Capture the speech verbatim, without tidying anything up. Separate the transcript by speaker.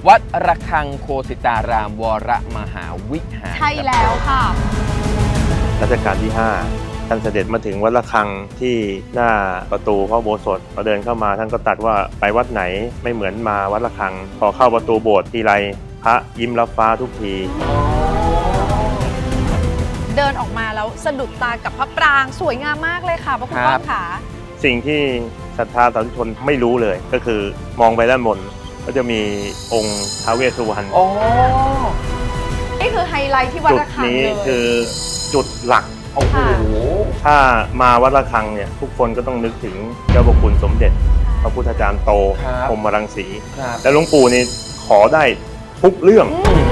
Speaker 1: วัดระฆังโคสิตารามวรมหาวิหาร
Speaker 2: ใช่แล้วค่ะ
Speaker 3: รัชกาลที่ห้าท่านเสด็จมาถึงวัดระฆังที่หน้าประตูพระอุโบสถพอเดินเข้ามาท่านก็ตรัสว่าไปวัดไหนไม่เหมือนมาวัดระฆังพอเข้าประตูโบสถ์ทีไรพระยิ้มรับฟ้าทุกที
Speaker 2: เดินออกมาแล้วสะดุดตากับพระปรางสวยงามมากเลยค่ะพระคุณก้องขา
Speaker 3: สิ่งที่ศรัทธาสาธุชนไม่รู้เลยก็คือมองไปด้านบนก็จะมีองค์ท้าวเวสสุวรรณ
Speaker 1: โอ้
Speaker 2: นี่คือไฮไลท์ที่วัด
Speaker 3: จุด
Speaker 2: ระฆัง
Speaker 3: นี้
Speaker 2: เลย
Speaker 3: คือจุดหลัก
Speaker 1: โอ้โห
Speaker 3: ถ้ามาวัดระฆังเนี่ยทุกคนก็ต้องนึกถึงเจ้าพระคุณสมเด็จพระพุทธจารย์โต
Speaker 1: ครับ
Speaker 3: พรหมรังสี
Speaker 1: ครับ
Speaker 3: และหลวงปู่นี่ขอได้ทุกเรื่อง
Speaker 2: อืม